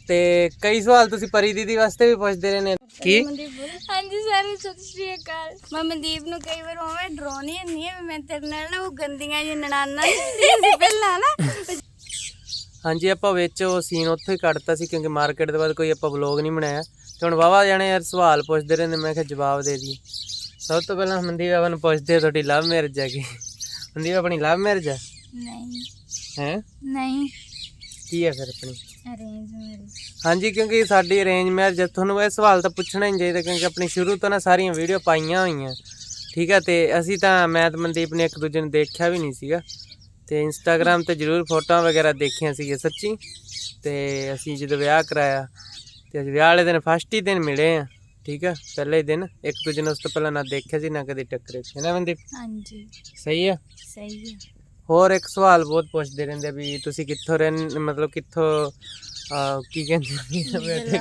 ਤੇ ਕਈ ਸਵਾਲ ਤੁਸੀਂ ਪਰੀ ਦੀਦੀ ਵਾਸਤੇ ਵੀ ਪੁੱਛਦੇ ਰਹੇ ਨੇ ਕੀ ਹਾਂਜੀ ਸਰ ਸਤਿ ਸ਼੍ਰੀ ਅਕਾਲ। ਮੈਂ ਮਨਦੀਪ ਨੂੰ ਕਈ ਵਾਰ ਉਵੇਂ ਡਰਾਉਣੀ ਹੁੰਦੀ ਹੈ ਵੀ ਮੈਂ ਤੇਰੇ ਨਾਲ ਨਾ ਉਹ ਗੰਦੀਆਂ ਜਿਹੀ ਨਨਾਣਾ ਨਹੀਂ ਪਹਿਲਾਂ ਨਾ। ਹਾਂਜੀ ਆਪਾਂ ਵਿੱਚ ਉਹ ਸੀਨ ਉੱਥੋਂ ਹੀ ਕੱਢਤਾ ਸੀ ਕਿਉਂਕਿ ਮਾਰਕੀਟ ਦੇ ਬਾਅਦ ਕੋਈ ਆਪਾਂ ਵਲੋਗ ਨਹੀਂ ਬਣਾਇਆ ਤੇ ਹੁਣ ਵਾਵਾ ਜਾਣੇ ਯਾਰ ਸਵਾਲ ਪੁੱਛਦੇ ਰਹਿੰਦੇ ਮੈਂ ਕਿਹਾ ਜਵਾਬ ਦੇ ਦੀ। ਸਭ ਤੋਂ ਪਹਿਲਾਂ ਮਨਦੀਪ ਆਪਾਂ ਨੂੰ ਪੁੱਛਦੇ ਤੁਹਾਡੀ ਲਵ ਮੈਰਿਜ ਹੈ ਕਿ ਮਨਦੀਪ ਆਪਣੀ ਲਵ ਮੈਰਿਜ ਹੈ? ਨਹੀਂ ਹੈ ਨਹੀਂ ਕੀ ਹੈ ਫਿਰ ਆਪਣੀ ਅਰੇਂਜ ਮੈਰਿਜ। ਹਾਂਜੀ ਕਿਉਂਕਿ ਸਾਡੀ ਅਰੇਂਜ ਮੈਰਿਜ ਤੁਹਾਨੂੰ ਇਹ ਸਵਾਲ ਤਾਂ ਪੁੱਛਣਾ ਹੀ ਚਾਹੀਦਾ ਕਿਉਂਕਿ ਆਪਣੀ ਸ਼ੁਰੂ ਤੋਂ ਨਾ ਸਾਰੀਆਂ ਵੀਡੀਓ ਪਾਈਆਂ ਹੋਈਆਂ ਠੀਕ ਹੈ ਤੇ ਅਸੀਂ ਤਾਂ ਮੈਂ ਤੇ ਮਨਦੀਪ ਨੇ ਇੱਕ ਦੂਜੇ ਨੂੰ ਦੇਖਿਆ ਵੀ ਨਹੀਂ ਸੀਗਾ ਤੇ ਇੰਸਟਾਗ੍ਰਾਮ ਤੇ ਜ਼ਰੂਰ ਫੋਟੋਆਂ ਵਗੈਰਾ ਦੇਖੀਆਂ ਸੀਗੀਆਂ ਸੱਚੀ ਤੇ ਅਸੀਂ ਜਦੋਂ ਵਿਆਹ ਕਰਾਇਆ ਤੇ ਅਸੀਂ ਵਿਆਹ ਵਾਲੇ ਦਿਨ ਫਸਟ ਹੀ ਦਿਨ ਮਿਲੇ ਆ ਠੀਕ ਹੈ ਪਹਿਲੇ ਹੀ ਦਿਨ ਇੱਕ ਦੂਜੇ ਨੂੰ ਉਸ ਤੋਂ ਪਹਿਲਾਂ ਨਾ ਦੇਖਿਆ ਸੀ ਨਾ ਕਦੇ ਟੱਕਰੇ ਹੈ ਨਾ ਮਨਦੀਪ? ਹਾਂਜੀ ਸਹੀ ਆ। ਸਹੀ ਹੈ। ਹੋਰ ਇੱਕ ਸਵਾਲ ਬਹੁਤ ਪੁੱਛਦੇ ਰਹਿੰਦੇ ਵੀ ਤੁਸੀਂ ਕਿੱਥੋਂ ਰਹਿੰਦੇ ਮਤਲਬ ਕਿੱਥੋਂ ਕੀ ਕਹਿੰਦੇ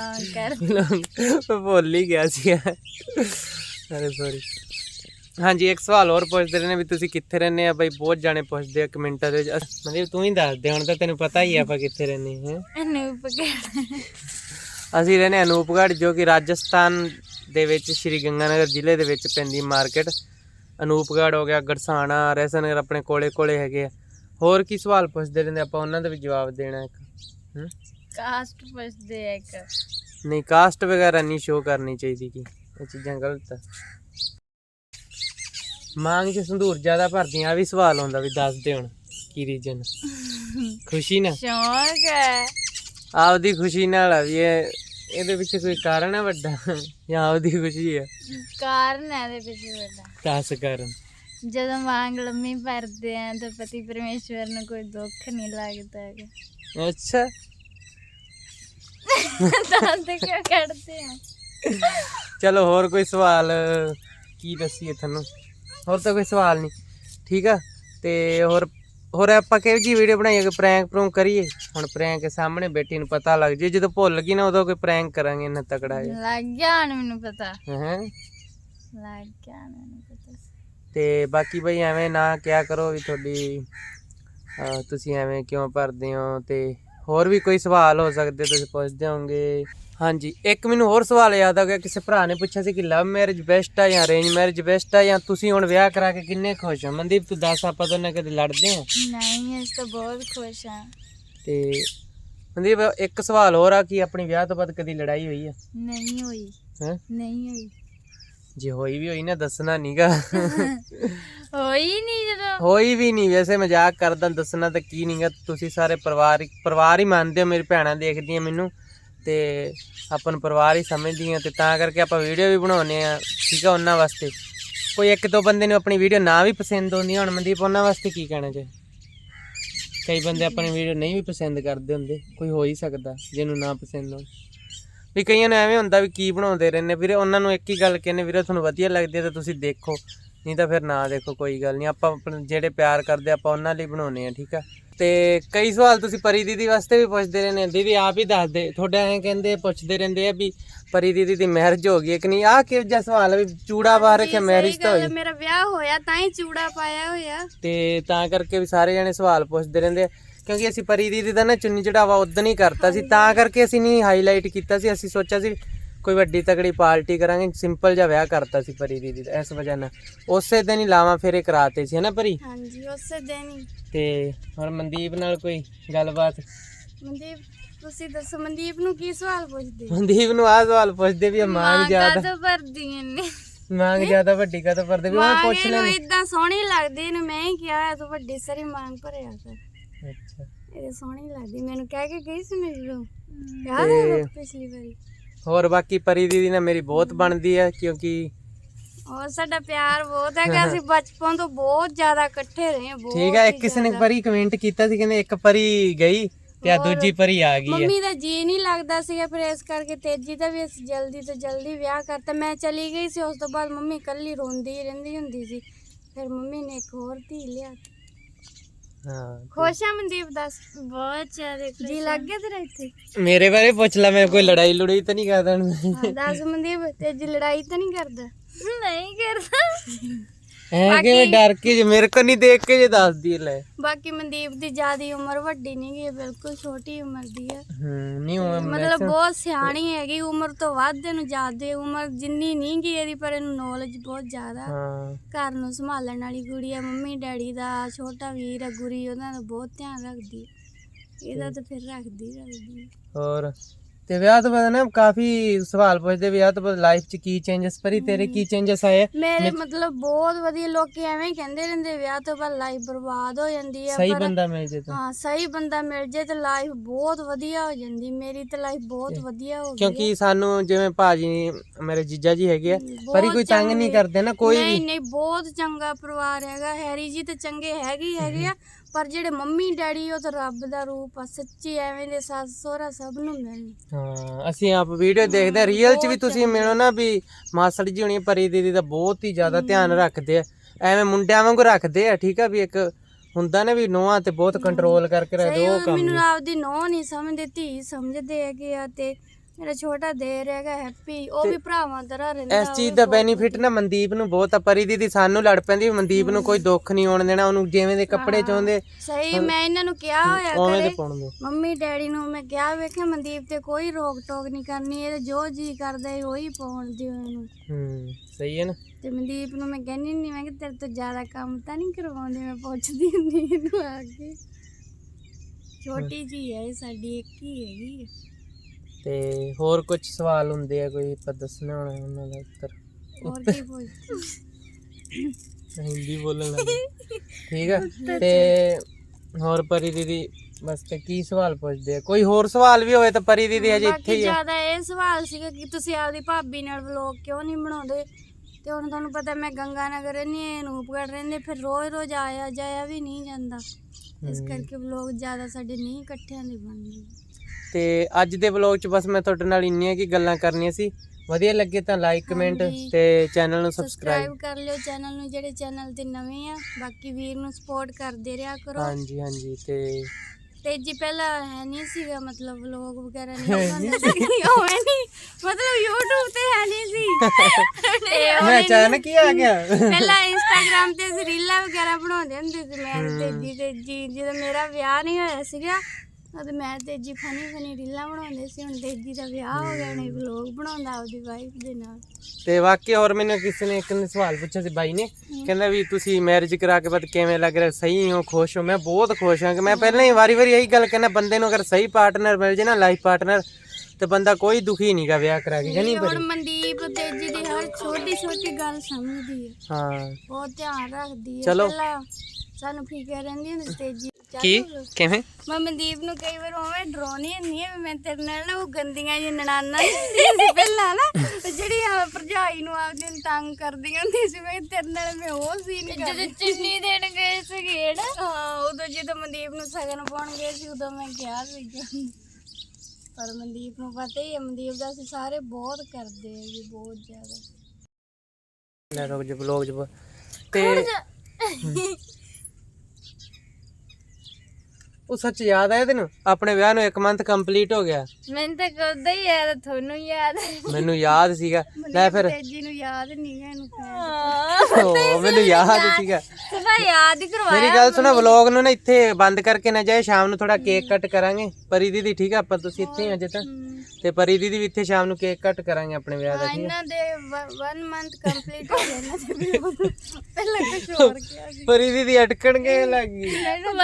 ਭੁੱਲ ਹੀ ਗਿਆ ਸੀ ਅਰੇ ਸੌਰੀ। ਹਾਂਜੀ ਇੱਕ ਸਵਾਲ ਹੋਰ ਪੁੱਛਦੇ ਰਹਿੰਦੇ ਵੀ ਤੁਸੀਂ ਕਿੱਥੇ ਰਹਿੰਦੇ ਆ ਬਈ ਬਹੁਤ ਜਾਣੇ ਪੁੱਛਦੇ ਆ ਕਮੈਂਟਾਂ ਦੇ ਵਿੱਚ ਮਤਲਬ ਤੂੰ ਹੀ ਦੱਸ ਦੇ ਹੁਣ ਤਾਂ ਤੈਨੂੰ ਪਤਾ ਹੀ ਆ ਆਪਾਂ ਕਿੱਥੇ ਰਹਿੰਦੇ ਹਾਂ। ਅਸੀਂ ਰਹਿੰਦੇ ਅਨੂਪਗੜ੍ਹ ਜੋ ਕਿ ਰਾਜਸਥਾਨ ਦੇ ਵਿੱਚ ਸ਼੍ਰੀ ਗੰਗਾਨਗਰ ਜ਼ਿਲ੍ਹੇ ਦੇ ਵਿੱਚ ਪੈਂਦੀ ਮਾਰਕੀਟ। ਅਨੂਪਗੜ੍ਹ ਹੋ ਗਿਆ ਗੜਸਾਣਾ ਰੈਸਨਗਰ ਆਪਣੇ ਕੋਲੇ ਹੈਗੇ ਆ। ਹੋਰ ਕੀ ਸਵਾਲ ਪੁੱਛਦੇ ਰਹਿੰਦੇ ਆਪਾਂ ਉਹਨਾਂ ਦਾ ਵੀ ਜਵਾਬ ਦੇਣਾ ਇੱਕ। ਕਾਸਟ ਪੁੱਛਦੇ ਆ ਇੱਕ। ਨਹੀਂ ਕਾਸਟ ਵਗੈਰਾ ਨਹੀਂ ਸ਼ੋ ਕਰਨੀ ਚਾਹੀਦੀ ਕਿ ਇਹ ਚੀਜ਼ਾਂ ਗਲਤ ਆ। ਮਾਂਗ 'ਚ ਸੰਧੂਰ ਜ਼ਿਆਦਾ ਭਰਦੀਆਂ ਆ ਵੀ ਸਵਾਲ ਹੁੰਦਾ ਵੀ ਦੱਸ ਦੇ ਹੁਣ ਕੀ ਰੀਜਨ? ਖੁਸ਼ੀ ਨਾਲ ਸ਼ੌਂਕ ਹੈ ਆਪਦੀ ਖੁਸ਼ੀ ਨਾਲ ਆ ਵੀ ਇਹਦੇ ਪਿੱਛੇ ਕੋਈ ਕਾਰਨ ਹੈ ਵੱਡਾ ਜਾਂ ਆਪਦੀ ਖੁਸ਼ੀ ਹੈ? ਕਾਰਨ ਹੈ ਇਹਦੇ ਪਿੱਛੇ ਵੱਡਾ। ਦੱਸ ਕਾਰਨ। ਜਦੋਂ ਵਾਂਗ ਲੰਮੀ ਭਰਦੇ ਆ ਤਾਂ ਪਤੀ ਪਰਮੇਸ਼ਵਰ ਨੂੰ ਕੋਈ ਦੁੱਖ ਨਹੀਂ ਲੱਗਦਾ ਹੈਗਾ। ਅੱਛਾ ਦੰਦ ਕਿਉਂ ਕੱਢਦੇ ਆ? ਚਲੋ ਹੋਰ ਕੋਈ ਸਵਾਲ ਕੀ ਦੱਸੀਏ ਤੁਹਾਨੂੰ? ਹੋਰ ਤਾਂ ਕੋਈ ਸਵਾਲ ਨਹੀਂ ਠੀਕ ਆ। ਤੇ ਹੋਰ ਆਪਾਂ ਕਿਹੋ ਜਿਹੀ ਵੀਡੀਓ ਬਣਾਈਏ ਕਿ ਪ੍ਰੈਂਕ ਕਰੀਏ? ਹੁਣ ਪ੍ਰੈਂਕ ਸਾਹਮਣੇ ਬੈਠੀ ਨੂੰ ਪਤਾ ਲੱਗ ਜੇ ਜਦੋਂ ਭੁੱਲ ਗਈ ਨਾ ਉਦੋਂ ਕੋਈ ਪ੍ਰੈਂਕ ਕਰਾਂਗੇ ਇੰਨਾ ਤਕੜਾ ਜਿਹਾ। ਲੱਗ ਗਿਆ ਹੁਣ ਮੈਨੂੰ ਪਤਾ। ਹੈ ਲੱਗ ਗਿਆ ਮੈਨੂੰ ਪਤਾ। ਤੇ ਬਾਕੀ ਬਈ ਐਵੇਂ ਨਾ ਕਿਹਾ ਕਰੋ ਵੀ ਤੁਹਾਡੀ ਤੁਸੀਂ ਐਵੇਂ ਕਿਉਂ ਭਰਦੇ ਹੋ ਤੇ ਹੋਰ ਵੀ ਕੋਈ ਸਵਾਲ ਹੋ ਸਕਦੇ ਤੁਸੀਂ ਪੁੱਛਦੇ ਹੋਵੋਗੇ। ਹਾਂਜੀ ਇੱਕ ਮੈਨੂੰ ਹੋਰ ਸਵਾਲ ਯਾਦ ਆ ਗਿਆ ਕਿਸੇ ਭਰਾ ਨੇ ਪੁੱਛਿਆ ਸੀ ਕਿ ਲਵ ਮੈਰਿਜ ਬੈਸਟ ਆ ਜਾਂ ਅਰੇਂਜ ਮੈਰਿਜ ਬੈਸਟ ਆ ਜਾਂ ਤੁਸੀਂ ਹੁਣ ਵਿਆਹ ਕਰਾ ਕੇ ਕਿੰਨੇ ਖੁਸ਼ ਹੋ? ਮਨਦੀਪ ਤੂੰ ਦੱਸ ਆਪਾਂ ਦੋਨੇ ਕਦੇ ਲੜਦੇ ਆ? ਨਹੀਂ ਅਸੀਂ ਤਾਂ ਬਹੁਤ ਖੁਸ਼ ਆ। ਤੇ ਮਨਦੀਪ ਇੱਕ ਸਵਾਲ ਹੋਰ ਆ ਕਿ ਆਪਣੀ ਵਿਆਹ ਤੋਂ ਬਾਅਦ ਕਦੀ ਲੜਾਈ ਹੋਈ ਆ? ਨਹੀਂ ਹੋਈ। ਹੈ ਨਹੀਂ ਹੋਈ। ਜੇ ਹੋਈ ਵੀ ਹੋਈ ਨਾ ਦੱਸਣਾ ਨੀਗਾ। ਹੋਈ ਨਹੀਂ ਜਦੋਂ ਹੋਈ ਵੀ ਨਹੀਂ ਵੈਸੇ ਮਜ਼ਾਕ ਕਰਦਾ ਦੱਸਣਾ ਤਾਂ ਕੀ ਨਹੀਂਗਾ। ਤੁਸੀਂ ਸਾਰੇ ਪਰਿਵਾਰ ਹੀ ਮੰਨਦੇ ਹੋ ਮੇਰੀ ਭੈਣਾਂ ਦੇਖਦੀਆਂ ਮੈਨੂੰ ਤੇ ਆਪਾਂ ਨੂੰ ਪਰਿਵਾਰ ਹੀ ਸਮਝਦੀਆਂ ਤੇ ਤਾਂ ਕਰਕੇ ਆਪਾਂ ਵੀਡੀਓ ਵੀ ਬਣਾਉਂਦੇ ਆ ਠੀਕ ਆ ਉਹਨਾਂ ਵਾਸਤੇ। ਕੋਈ ਇੱਕ ਦੋ ਬੰਦੇ ਨੂੰ ਆਪਣੀ ਵੀਡੀਓ ਨਾ ਵੀ ਪਸੰਦ ਆਉਂਦੀ ਹੁਣ ਮਨਦੀਪ ਉਹਨਾਂ ਵਾਸਤੇ ਕੀ ਕਹਿਣਾ ਚਾਹੀਦਾ? ਕਈ ਬੰਦੇ ਆਪਣੀ ਵੀਡੀਓ ਨਹੀਂ ਵੀ ਪਸੰਦ ਕਰਦੇ ਹੁੰਦੇ ਕੋਈ ਹੋ ਹੀ ਸਕਦਾ ਜਿਹਨੂੰ ਨਾ ਪਸੰਦ ਹੋ ਵੀ ਕਈਆਂ ਨੂੰ ਐਵੇਂ ਹੁੰਦਾ ਵੀ ਕੀ ਬਣਾਉਂਦੇ ਰਹਿੰਦੇ ਵੀਰੇ। ਉਹਨਾਂ ਨੂੰ ਇੱਕ ਹੀ ਗੱਲ ਕਹਿੰਦੇ ਵੀਰੇ ਤੁਹਾਨੂੰ ਵਧੀਆ ਲੱਗਦੀ ਹੈ ਤਾਂ ਤੁਸੀਂ ਦੇਖੋ ਨਹੀਂ ਤਾਂ ਫਿਰ ਨਾ ਦੇਖੋ ਕੋਈ ਗੱਲ ਨਹੀਂ। ਆਪਾਂ ਆਪਣੇ ਜਿਹੜੇ ਪਿਆਰ ਕਰਦੇ ਆਪਾਂ ਉਹਨਾਂ ਲਈ ਬਣਾਉਂਦੇ ਆ ਠੀਕ ਆ। ਤੇ ਕਈ ਸਵਾਲ ਤੁਸੀਂ ਪਰੀ ਦੀਦੀ ਵਾਸਤੇ ਵੀ ਪੁੱਛਦੇ ਰਹਿੰਦੇ ਦੀਦੀ ਆਪ ਹੀ ਦੱਸ ਦੇ ਤੁਹਾਡਾ ਐਂ ਕਹਿੰਦੇ ਪੁੱਛਦੇ ਰਹਿੰਦੇ ਆ ਵੀ ਪਰੀ ਦੀਦੀ ਦੀ ਮੈਰਿਜ ਹੋ ਗਈ ਹੈ ਕਿ ਨਹੀਂ? ਆਹ ਕਿਹੋ ਜਿਹਾ ਸਵਾਲ ਵੀ ਚੂੜਾ ਪਾ ਰੱਖਿਆ ਮੈਰਿਜ ਤਾਂ ਹੋਈ? ਮੇਰਾ ਵਿਆਹ ਹੋਇਆ ਤਾਂ ਹੀ ਚੂੜਾ ਪਾਇਆ ਹੋਇਆ ਤੇ ਤਾਂ ਕਰਕੇ ਵੀ ਸਾਰੇ ਜਣੇ ਸਵਾਲ ਪੁੱਛਦੇ ਰਹਿੰਦੇ ਆ ਕਿਉਂਕਿ ਅਸੀਂ ਪਰੀ ਦੀਦੀ ਦਾ ਨਾ ਚੁੰਨੀ ਚੜਾਵਾ ਉਦੋਂ ਹੀ ਕਰਤਾ ਸੀ ਤਾਂ ਕਰਕੇ ਅਸੀਂ ਨਹੀਂ ਹਾਈਲਾਈਟ ਕੀਤਾ ਸੀ। ਅਸੀਂ ਸੋਚਿਆ ਸੀ ਕੋਈ ਵੱਡੀ ਤਕੜੀ ਪਾਰਟੀ ਕਰਾਂਗੇ ਸਿੰਪਲ ਜਿਹਾ ਵਿਆਹ ਕਰਤਾ ਸੀ ਪਰੀ ਦੀਦੀ ਦਾ ਇਸ ਵਜ੍ਹਾ ਨਾਲ ਉਸੇ ਦਿਨ ਹੀ ਲਾਵਾਂ ਫੇਰੇ ਕਰਾਤੇ ਸੀ ਹਨਾ ਪਰੀ? ਹਾਂਜੀ ਉਸੇ ਦਿਨ ਹੀ। ਤੇ ਹੁਣ ਮਨਦੀਪ ਨਾਲ ਕੋਈ ਗੱਲਬਾਤ? ਮਨਦੀਪ ਤੁਸੀਂ ਦੱਸੋ ਮਨਦੀਪ ਨੂੰ ਕੀ ਸਵਾਲ ਪੁੱਛਦੇ? ਮਨਦੀਪ ਨੂੰ ਆਹ ਸਵਾਲ ਪੁੱਛਦੇ ਵੀ ਮਾਂਗ ਜ਼ਿਆਦਾ ਭਰਦੀ ਨੇ ਮਾਂਗ ਜ਼ਿਆਦਾ ਵੱਡੀ ਕਦੋਂ ਭਰਦੇ ਵੀ ਉਹ ਪੁੱਛ ਲੈਣ। ਇਦਾਂ ਸੋਹਣੀ ਲੱਗਦੀ ਇਹਨੂੰ ਮੈਂ ਹੀ ਕਿਹਾ ਤੂੰ ਵੱਡੀ ਸਾਰੀ ਮਾਂਗ ਭਰਿਆ ਕਰ। ਅੱਛਾ ਇਹ ਸੋਹਣੀ ਲੱਗਦੀ ਮੈਨੂੰ ਕਹਿ ਕੇ ਗਈ ਸੀ ਮੈਂ ਜਦੋਂ ਯਾਦ ਹੈ ਪਿਛਲੀ ਵਾਰੀ। ਹੋਰ ਬਾਕੀ ਪਰੀ ਦੀਦੀ ਨਾਲ ਮੇਰੀ ਬਹੁਤ ਬਣਦੀ ਹੈ ਕਿਉਂਕਿ ਔਰ ਸਾਡਾ ਪਿਆਰ ਬਹੁਤ ਹੈਗਾ। ਅਸੀਂ ਬਚਪਨ ਤੋਂ ਬਹੁਤ ਜ਼ਿਆਦਾ ਇਕੱਠੇ ਰਹੇ ਬਹੁਤ ਠੀਕ ਹੈ। ਇੱਕ ਕਿਸੇ ਨੇ ਪਰੀ ਕਮੈਂਟ ਕੀਤਾ ਸੀ ਕਹਿੰਦੇ ਇੱਕ ਪਰੀ ਗਈ ਤੇ ਆ ਦੂਜੀ ਪਰੀ ਆ ਗਈ ਹੈ। ਮੰਮੀ ਦਾ ਜੀ ਨਹੀਂ ਲੱਗਦਾ ਸੀਗਾ ਫਿਰ ਇਸ ਕਰਕੇ ਤੇਜੀ ਦਾ ਵੀ ਅਸੀਂ ਜਲਦੀ ਤੋਂ ਜਲਦੀ ਵਿਆਹ ਕਰਤਾ। ਮੈਂ ਚਲੀ ਗਈ ਸੀ ਉਸ ਤੋਂ ਬਾਅਦ ਮੰਮੀ ਇਕੱਲੀ ਰੋਂਦੀ ਰਹਿੰਦੀ ਹੁੰਦੀ ਸੀ ਫਿਰ ਮੰਮੀ ਨੇ ਇੱਕ ਹੋਰ ਧੀ ਲਿਆ। ਹਾਂ ਖੁਸ਼ ਆ ਮਨਦੀਪ? ਦੱਸ। ਬਹੁਤ ਜ਼ਿਆਦਾ ਜੀ ਲੱਗ ਗਿਆ ਤੇਰਾ ਇੱਥੇ? ਮੇਰੇ ਬਾਰੇ ਪੁੱਛ ਲੈ ਮੈਂ ਕੋਈ ਲੜਾਈ ਤਾਂ ਨਹੀਂ ਕਰਦਾ ਦੱਸ ਮਨਦੀਪ ਤੇ ਜੀ ਲੜਾਈ ਤਾਂ ਨਹੀਂ ਕਰਦਾ? ਨਹੀਂ ਕਰਦਾ। ਐ ਕਿਵੇਂ ਡਰ ਕੇ ਜੇ ਮੇਰੇ ਕੋ ਨਹੀਂ ਦੇਖ ਕੇ ਜੇ ਦੱਸਦੀ ਲੈ। ਬਾਕੀ ਮਨਦੀਪ ਦੀ ਜ਼ਿਆਦੀ ਉਮਰ ਵੱਡੀ ਨਹੀਂ ਗਈ, ਬਿਲਕੁਲ ਛੋਟੀ ਉਮਰ ਦੀ ਹੈ। ਨਹੀਂ ਮਤਲਬ ਬਹੁਤ ਸਿਆਣੀ ਹੈਗੀ, ਉਮਰ ਤੋਂ ਵੱਧ ਇਹਨੂੰ ਜ਼ਿਆਦਾ ਉਮਰ ਜਿੰਨੀ ਨਹੀਂ ਗਈ ਇਹਦੀ, ਪਰ ਇਹਨੂੰ ਨੌਲੇਜ ਬਹੁਤ ਜ਼ਿਆਦਾ। ਹਾਂ ਘਰ ਨੂੰ ਸੰਭਾਲਣ ਵਾਲੀ ਕੁੜੀ ਹੈ, ਮੰਮੀ ਡੈਡੀ ਦਾ, ਛੋਟਾ ਵੀਰ ਹੈ ਗੁਰੀ, ਉਹਨਾਂ ਦਾ ਬਹੁਤ ਧਿਆਨ ਰੱਖਦੀ, ਇਹਦਾ ਤਾਂ ਫਿਰ ਰੱਖਦੀ। ਹੋਰ ਤੇ ਵਿਆਹ ਤੋਂ ਬਾਅਦ ਨਾ ਕਾਫੀ ਸਵਾਲ ਪੁੱਛਦੇ, ਵਿਆਹ ਤੋਂ ਬਾਅਦ ਲਾਈਫ 'ਚ ਕੀ ਚੇਂਜਸ ਪਰੀ, ਤੇਰੇ ਕੀ ਚੇਂਜਸ ਆਏ? ਮੇਰੇ ਮਤਲਬ ਬਹੁਤ ਵਧੀਆ, ਲੋਕੀ ਐਵੇਂ ਹੀ ਕਹਿੰਦੇ ਰਹਿੰਦੇ ਵਿਆਹ ਤੋਂ ਬਾਅਦ ਲਾਈਫ ਬਰਬਾਦ ਹੋ ਜਾਂਦੀ ਹੈ, ਸਹੀ ਬੰਦਾ ਮਿਲ ਜੇ ਤਾਂ। ਹਾਂ ਸਹੀ ਬੰਦਾ ਮਿਲ ਜੇ ਤੇ ਲਾਈਫ ਬਹੁਤ ਵਧੀਆ ਹੋ ਜਾਂਦੀ। ਮੇਰੀ ਤਾਂ ਲਾਈਫ ਬਹੁਤ ਵਧੀਆ ਹੋ ਗਈ, ਕਿਉਂਕਿ ਸਾਨੂੰ ਜਿਵੇਂ ਭਾਜੀ ਮੇਰੇ ਜੀਜਾ ਜੀ ਹੈਗੇ ਆ, ਪਰੀ ਕੋਈ ਤੰਗ ਨਹੀਂ ਕਰਦੇ ਨਾ ਕੋਈ ਵੀ। ਨਹੀਂ ਬਹੁਤ ਚੰਗਾ ਪਰਿਵਾਰ ਹੈਗਾ। ਹੈਰੀ ਜੀ ਤੇ ਚੰਗੇ ਹੈਗੇ ਆ, ਪਰ ਜਿਹੜੇ ਮੰਮੀ ਡੈਡੀ ਉਹ ਤਾਂ ਰੱਬ ਦਾ ਰੂਪ ਆ, ਸੱਚੀ ਐਵੇਂ ਦੇ ਸੱਸ ਸਹੁਰਾ ਸਭ ਨੂੰ ਮਿਲਣ। ਹਾਂ ਅਸੀਂ ਆਪ ਵੀਡੀਓ ਦੇਖਦੇ, ਰੀਅਲ 'ਚ ਵੀ ਤੁਸੀਂ ਮਿਲੋ ਨਾ ਵੀ ਮਾਸੜ ਜੀ ਹੋਣੀ, ਪਰੀ ਦੀਦੀ ਦਾ ਬਹੁਤ ਹੀ ਜ਼ਿਆਦਾ ਧਿਆਨ ਰੱਖਦੇ ਆ, ਐਵੇਂ ਮੁੰਡਿਆਂ ਵਾਂਗੂ ਰੱਖਦੇ ਆ। ਠੀਕ ਆ ਵੀ ਇੱਕ ਹੁੰਦਾ ਨਾ ਵੀ ਨੋਹਾਂ ਤੇ ਬਹੁਤ ਕੰਟਰੋਲ ਕਰਕੇ ਰੱਖਦੇ, ਉਹ ਕੰਮ ਮੈਨੂੰ ਆਪਦੀ ਨੋਹ ਨਹੀਂ ਸਮਝਦੇ, ਧੀ ਸਮਝਦੇ ਹੈਗੇ ਆ। ਤੇ ਮੇਰਾ ਛੋਟਾ ਦੇਰ ਹੈਗਾ ਹੈਪੀ, ਉਹ ਵੀ ਭਰਾਵਾਂ ਤਰ੍ਹਾਂ ਰਹਿੰਦਾ। ਇਸ ਚੀਜ਼ ਦਾ ਬੈਨੀਫਿਟ ਨਾ ਮਨਦੀਪ ਨੂੰ ਬਹੁਤ ਆ। ਪਰੀ ਦੀਦੀ ਸਾਨੂੰ ਲੜ ਪੈਂਦੀ, ਮਨਦੀਪ ਨੂੰ ਕੋਈ ਦੁੱਖ ਨਹੀਂ ਆਉਣ ਦੇਣਾ, ਉਹਨੂੰ ਜਿਵੇਂ ਦੇ ਕੱਪੜੇ ਚਾਹੁੰਦੇ ਸਹੀ। ਮੈਂ ਇਹਨਾਂ ਨੂੰ ਕਿਹਾ ਹੋਇਆ ਉਵੇਂ ਦੇ ਕਰੇ, ਪਾਉਣ ਦੇ। ਮੰਮੀ ਡੈਡੀ ਨੂੰ ਮੈਂ ਕਿਹਾ ਵੇਖਿਆ ਮਨਦੀਪ ਤੇ ਕੋਈ ਰੋਕ ਟੋਕ ਨਹੀਂ ਕਰਨੀ, ਇਹ ਜੋ ਜੀ ਕਰਦਾ ਉਹੀ ਪਾਉਣ ਦਿਓ ਇਹਨੂੰ। ਸਹੀ ਹੈ ਨਾ। ਤੇ ਮਨਦੀਪ ਨੂੰ ਮੈਂ ਕਹਿੰਦੀ ਨਹੀਂ, ਮੈਂ ਕਿ ਤੇਰੇ ਤੋਂ ਜ਼ਿਆਦਾ ਕੰਮ ਤਾਂ ਨਹੀਂ ਕਰਵਾਉਂਦੇ, ਮੈਂ ਪੁੱਛਦੀ ਹੁੰਦੀ ਇਹਨੂੰ ਆ ਕੇ। ਛੋਟੀ ਜੀ ਹੈ ਸਾਡੀ, ਇੱਕ ਹੀ ਹੈਗੀ। ਤੇ ਹੋਰ ਕੁਝ ਸਵਾਲ ਹੁੰਦੇ ਆ ਕੋਈ ਆਪਾਂ ਦੱਸਣਾ ਹੋਣਾ ਉਹਨਾਂ ਦਾ ਉੱਤਰ? ਹੋਰ ਕੀ ਪੁੱਛਦੀ? ਹਿੰਦੀ ਬੋਲਣ ਲੱਗ ਠੀਕ ਆ। ਤੇ ਹੋਰ ਪਰੀ ਦੀਦੀ ਬਸ ਤੇ ਕੀ ਸਵਾਲ ਪੁੱਛਦੇ ਆ? ਕੋਈ ਹੋਰ ਸਵਾਲ ਵੀ ਹੋਵੇ ਤਾਂ ਪਰੀ ਦੀਦੀ ਅਜੇ ਇੱਥੇ ਹੀ ਆ। ਜ਼ਿਆਦਾ ਇਹ ਸਵਾਲ ਸੀਗਾ ਕਿ ਤੁਸੀਂ ਆਪਦੀ ਭਾਬੀ ਨਾਲ ਵਲੋਗ ਕਿਉਂ ਨਹੀਂ ਬਣਾਉਂਦੇ? ਤੇ ਹੁਣ ਤੁਹਾਨੂੰ ਪਤਾ ਮੈਂ ਗੰਗਾ ਨਗਰ ਰਹਿੰਦੀ, ਅਨੂਪਗੜ੍ਹ ਰਹਿੰਦੇ, ਫਿਰ ਰੋਜ਼ ਆਇਆ ਜਾਇਆ ਵੀ ਨਹੀਂ ਜਾਂਦਾ, ਇਸ ਕਰਕੇ ਵਲੋਗ ਜ਼ਿਆਦਾ ਸਾਡੇ ਨਹੀਂ ਇਕੱਠਿਆਂ ਦੇ ਬਣਦੇ। ਤੇ ਅੱਜ ਦੇ ਵਲੋਗ 'ਚ ਬਸ ਮੈਂ ਤੁਹਾਡੇ ਨਾਲ ਇੰਨੀਆਂ ਕੀ ਗੱਲਾਂ ਕਰਨੀਆਂ ਸੀ। ਵਧੀਆ ਲੱਗੇ ਤਾਂ ਲਾਈਕ ਕਮੈਂਟ ਤੇ ਚੈਨਲ ਨੂੰ ਸਬਸਕ੍ਰਾਈਬ ਕਰ ਲਿਓ, ਚੈਨਲ ਨੂੰ ਜਿਹੜੇ ਚੈਨਲ ਤੇ ਨਵੇਂ ਆ। ਬਾਕੀ ਵੀਰ ਨੂੰ ਸਪੋਰਟ ਕਰਦੇ ਰਿਹਾ ਕਰੋ। ਹਾਂਜੀ ਤੇ ਜੀ ਪਹਿਲਾਂ ਹੈ ਨਹੀਂ ਸੀਗਾ, ਮਤਲਬ ਵਲੋਗ ਵਗੈਰਾ ਨਹੀਂ ਬਣਾਉਂਦੇ ਸੀ, ਹੋਵੇ ਨਹੀਂ ਮਤਲਬ YouTube ਤੇ ਹੈ ਨਹੀਂ ਸੀ। ਮੈਂ ਅਚਾਨਕ ਹੀ ਆ ਗਿਆ। ਪਹਿਲਾਂ ਇੰਸਟਾਗ੍ਰਾਮ ਤੇ ਅਸੀਂ ਰੀਲਾਂ ਵਗੈਰਾ ਬਣਾਉਂਦੇ ਹੁੰਦੇ ਸੀ, ਮੈਂ ਤੇ ਜੀ ਜਦੋਂ ਮੇਰਾ ਵਿਆਹ ਨਹੀਂ ਹੋਇਆ ਸੀਗਾ ਤੇ ਮੈਂ ਤੇ ਜੀ ਫਨੀ ਰੀਲਾਂ ਬਣਾਉਂਦੇ ਸੀ। ਹੁਣ ਤੇਜੀ ਦਾ ਵਿਆਹ ਹੋ ਗਿਆ, ਨੇ ਵਲੋਗ ਬਣਾਉਂਦਾ ਆਪਦੀ ਵਾਈਫ ਦੇ ਨਾਲ। ਤੇ ਵਾਕਈ ਹੋਰ ਮੈਨੂੰ ਕਿਸੇ ਨੇ ਇੱਕ ਨੇ ਸਵਾਲ ਪੁੱਛਿਆ ਸੀ ਬਾਈ ਨੇ, ਕਹਿੰਦਾ ਵੀ ਤੁਸੀਂ ਮੈਰਿਜ ਕਰਾ ਕੇ ਬਾਅਦ ਕਿਵੇਂ ਲੱਗ ਰਿਹਾ, ਸਹੀ ਹੋ, ਖੁਸ਼ ਹੋ? ਮੈਂ ਬਹੁਤ ਖੁਸ਼ ਹਾਂ ਕਿ ਮੈਂ ਪਹਿਲਾਂ ਹੀ ਵਾਰੀ ਇਹੀ ਗੱਲ ਕਹਿੰਦਾ, ਬੰਦੇ ਨੂੰ ਅਗਰ ਸਹੀ ਪਾਰਟਨਰ ਮਿਲ ਜੇ ਨਾ, ਲਾਈਫ ਪਾਰਟਨਰ, ਤੇ ਬੰਦਾ ਕੋਈ ਦੁਖੀ ਨਹੀਂਗਾ ਵਿਆਹ ਕਰਾ ਕੇ। ਜਾਨੀ ਹੁਣ ਮਨਦੀਪ ਤੇਜੀ ਦੀ ਹਰ ਛੋਟੀ ਗੱਲ ਸਮਝਦੀ ਹੈ, ਹਾਂ ਬਹੁਤ ਧਿਆਨ ਰੱਖਦੀ ਹੈ। ਚਲੋ ਸਾਨੂੰ ਫਿਕਰ ਰਹਿੰਦੀ ਹੁੰਦੀ ਤੇਜੀ ਕੀ ਕਿਵੇਂ ਮੈਂ ਮਨਦੀਪ ਨੂੰ ਕਈ ਵਾਰ ਉਵੇਂ ਡਰਾਉਣੀ ਹੁੰਦੀ ਹੈ, ਮੈਂ ਤੇਰੇ ਨਾਲ ਨਾ ਉਹ ਗੰਦੀਆਂ ਜਿਹੀਆਂ ਨਨਾਨਾਂ ਹੁੰਦੀਆਂ ਸੀ ਪਹਿਲਾਂ ਨਾ, ਜਿਹੜੀਆਂ ਭਰਜਾਈ ਨੂੰ ਆਪਦੇ ਨੂੰ ਤੰਗ ਕਰਦੀਆਂ ਹੁੰਦੀ ਸੀ, ਮੈਂ ਤੇਰੇ ਨਾਲ ਮੈਂ ਉਹ ਸੀ ਨਹੀਂ ਜਦੋਂ ਚੁੰਨੀ ਦੇਣ ਗਏ ਸੀਗੇ ਨਾ। ਹਾਂ ਉਦੋਂ ਜਦੋਂ ਮਨਦੀਪ ਨੂੰ ਸਗਨ ਪਾਉਣ ਗਏ ਸੀ, ਉਦੋਂ ਮੈਂ ਕਿਹਾ ਸੀਗਾ, ਪਰ ਮਨਦੀਪ ਨੂੰ ਪਤਾ ਹੀ ਹੈ, ਮਨਦੀਪ ਦਾ ਅਸੀਂ ਸਾਰੇ ਬਹੁਤ ਕਰਦੇ ਆ ਜੀ, ਬਹੁਤ ਜ਼ਿਆਦਾ। ਰੁਕ ਜਾ ਬਲੌਗ ਚ ਤੇ ਉਹ ਸੱਚ ਯਾਦ ਆਇਆ ਤੈਨੂੰ, ਆਪਣੇ ਵਿਆਹ ਨੂੰ 1 ਮੰਥ ਕੰਪਲੀਟ ਹੋ ਗਿਆ। ਮੈਨੂੰ ਤਾਂ ਕਦੇ ਹੀ ਯਾਦ, ਤੁਹਾਨੂੰ ਯਾਦ? ਮੈਨੂੰ ਯਾਦ ਸੀਗਾ। ਲੈ ਫਿਰ ਤੇਜੀ ਨੂੰ ਯਾਦ ਨਹੀਂ ਹੈ, ਇਹਨੂੰ ਮੈਨੂੰ ਯਾਦ ਸੀਗਾ। ਯਾਦ ਹੀ ਕਰਵਾਇਆ। ਮੇਰੀ ਗੱਲ ਸੁਣੋ, ਵਲੌਗ ਨੂੰ ਨਾ ਇੱਥੇ ਬੰਦ ਕਰਕੇ ਨਾ ਜਾਏ, ਸ਼ਾਮ ਨੂੰ ਥੋੜਾ ਕੇਕ ਕੱਟ ਕਰਾਂਗੇ ਪਰੀ ਦੀਦੀ। ਠੀਕ ਆ, ਆਪਾਂ ਤੁਸੀਂ ਇੱਥੇ ਹੀ ਅਜੇ ਤਾਂ, ਤੇ ਪਰੀ ਦੀਦੀ ਵੀ ਇੱਥੇ ਸ਼ਾਮ ਨੂੰ ਕੇਕ ਕੱਟ ਕਰਾਂਗੇ ਆਪਣੇ ਵਿਆਹ ਦਾ। ਇਹਨਾਂ ਦੇ 1 ਮੰਥ ਕੰਪਲੀਟ ਹੋ ਗਿਆ ਇਹਨਾਂ ਦੇ ਪਹਿਲਾਂ ਕੁਝ ਹੋਰ ਕਿਹਾ ਸੀ। ਪਰੀ ਦੀਦੀ ਅਟਕਣਗੇ ਲੱਗੀ।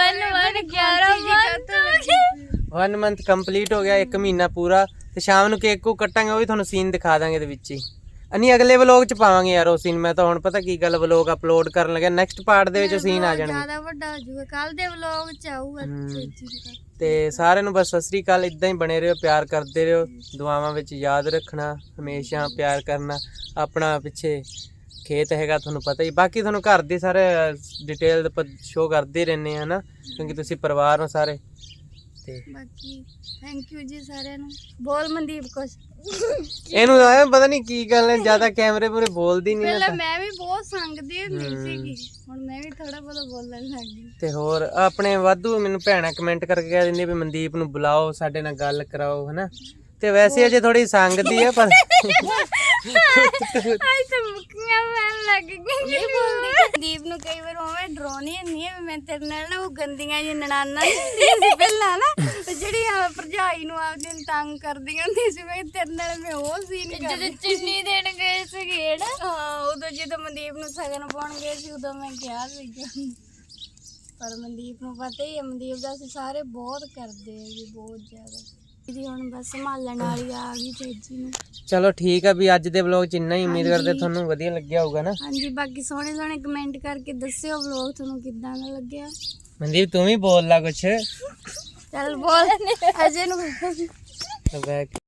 1 ਮੰਥ ਕੰਪਲੀਟ ਹੋ ਗਿਆ, 1 ਮਹੀਨਾ ਪੂਰਾ, ਤੇ ਸ਼ਾਮ ਨੂੰ ਕੇਕ ਕੋ ਕੱਟਾਂਗੇ, ਉਹ ਵੀ ਤੁਹਾਨੂੰ ਸੀਨ ਦਿਖਾ ਦਾਂਗੇ ਇਹਦੇ ਵਿੱਚ ਹੀ। ਨਹੀਂ ਅਗਲੇ ਵਲੋਗ ਚ ਪਾਵਾਂਗੇ ਯਾਰ ਉਹ ਸੀਨ। ਮੈਂ ਤਾਂ ਹੁਣ ਪਤਾ ਕੀ ਗੱਲ, ਵਲੋਗ ਅਪਲੋਡ ਕਰਨ ਲੱਗਿਆ, ਨੈਕਸਟ ਪਾਰਟ ਦੇ ਵਿੱਚ ਸੀਨ ਆ ਜਾਣਗੇ, ਜ਼ਿਆਦਾ ਵੱਡਾ ਹੋ ਜਾਊਗਾ, ਕੱਲ ਦੇ ਵਲੋਗ ਚ ਆਊਗਾ। ਤੇ ਸਾਰਿਆਂ ਨੂੰ ਬਸ ਸਤਿ ਸ੍ਰੀ ਅਕਾਲ। ਇਦਾਂ ਹੀ ਬਣੇ ਰਹੋ, ਪਿਆਰ ਕਰਦੇ ਰਹੋ, ਦੁਆਵਾਂ ਵਿੱਚ ਯਾਦ ਰੱਖਣਾ, ਹਮੇਸ਼ਾ ਪਿਆਰ ਕਰਨਾ। ਆਪਣਾ ਪਿੱਛੇ ਖੇਤ ਹੈਗਾ ਤੁਹਾਨੂੰ ਪਤਾ ਹੀ, ਬਾਕੀ ਤੁਹਾਨੂੰ ਘਰ ਦੀ ਸਾਰੇ ਡਿਟੇਲ ਸ਼ੋ ਕਰਦੇ ਰਹਿੰਦੇ ਆ ਨਾ, ਕਿਉਂਕਿ ਤੁਸੀਂ ਪਰਿਵਾਰ ਹੋ ਸਾਰੇ। ਤੇ ਬਾਕੀ ਥੈਂਕ ਯੂ ਜੀ ਸਾਰਿਆਂ ਨੂੰ। ਬੋਲ ਮਨਦੀਪ ਕੁਛ। ਇਹਨੂੰ ਆਇਆ ਪਤਾ ਨਹੀਂ ਕੀ ਗੱਲ ਹੈ, ਜ਼ਿਆਦਾ ਕੈਮਰੇ ਮੂਹਰੇ ਬੋਲਦੀ ਨਹੀਂ। ਪਹਿਲਾਂ ਮੈਂ ਵੀ ਬਹੁਤ ਸੰਗਦੀ ਹੁੰਦੀ ਸੀਗੀ, ਹੁਣ ਮੈਂ ਵੀ ਥੋੜਾ ਬਹੁਤ ਬੋਲਣ ਲੱਗ ਗਈ। ਤੇ ਹੋਰ ਆਪਣੇ ਵਾਧੂ ਮੈਨੂੰ ਭੈਣਾਂ ਕਮੈਂਟ ਕਰਕੇ ਕਹਿ ਦਿੰਦੀ ਵੀ ਮਨਦੀਪ ਨੂੰ ਬੁਲਾਓ, ਸਾਡੇ ਨਾਲ ਗੱਲ ਕਰਾਓ, ਹਨਾ। ਤੇ ਵੈਸੇ ਅਜੇ ਥੋੜੀ ਸੰਗਦੀ ਆ, ਪਰ ਲੱਗ ਗਈ ਦੀਪ ਨੂੰ ਕਈ ਵਾਰ ਉਵੇਂ ਡਰਾਉਣੀ ਹੁੰਦੀ ਹੈ ਵੀ ਮੈਂ ਤੇਰੇ ਨਾਲ ਨਾ ਉਹ ਗੰਦੀਆਂ ਜਿਹੀਆਂ ਨਨਾਨਾਂ ਨੀ ਹੁੰਦੀਆਂ ਸੀ ਪਹਿਲਾਂ ਨਾ ਤੇ ਜਿਹੜੀਆਂ ਭਰਜਾਈ ਨੂੰ ਆਪਦੀ ਨੂੰ ਤੰਗ ਕਰਦੀਆਂ ਹੁੰਦੀਆਂ ਸੀ ਮੈਂ ਤੇਰੇ ਨਾਲ ਮੈਂ ਉਹ ਸੀਨ ਜਦੋਂ ਚੀਨੀ ਦੇਣ ਗਏ ਸੀਗੇ ਨਾ ਹਾਂ ਉਦੋਂ ਜਦੋਂ ਮਨਦੀਪ ਨੂੰ ਸਗਨ ਪਾਉਣ ਗਏ ਸੀ ਉਦੋਂ ਮੈਂ ਕਿਹਾ ਸੀਗਾ ਪਰ ਮਨਦੀਪ ਨੂੰ ਪਤਾ ਹੀ ਹੈ ਮਨਦੀਪ ਦਾ ਅਸੀਂ ਸਾਰੇ ਬਹੁਤ ਕਰਦੇ ਆ ਜੀ ਬਹੁਤ ਜ਼ਿਆਦਾ ਇਹਦੀ ਹੁਣ ਬਸ ਸੰਭਾਲਣ ਵਾਲੀ ਆ ਗਈ ਤੇਜੀ ਨੂੰ ਚਲੋ ਠੀਕ ਆ ਵੀ ਅੱਜ ਦੇ ਵਲੌਗ ਚ ਇੰਨਾ ਹੀ ਉਮੀਦ ਕਰਦੇ ਤੁਹਾਨੂੰ ਵਧੀਆ ਲੱਗਿਆ ਹੋਊਗਾ ਨਾ ਹਾਂਜੀ ਬਾਕੀ ਸੋਹਣੇ ਸੋਹਣੇ ਕਮੈਂਟ ਕਰਕੇ ਦੱਸਿਓ ਵਲੌਗ ਤੁਹਾਨੂੰ ਕਿੱਦਾਂ ਦਾ ਲੱਗਿਆ ਮਨਦੀਪ ਤੂੰ ਵੀ ਬੋਲ ਲਾ ਕੁਛ ਚੱਲ ਬੋਲ ਅਜੇ ਨੂੰ ਬੈਕ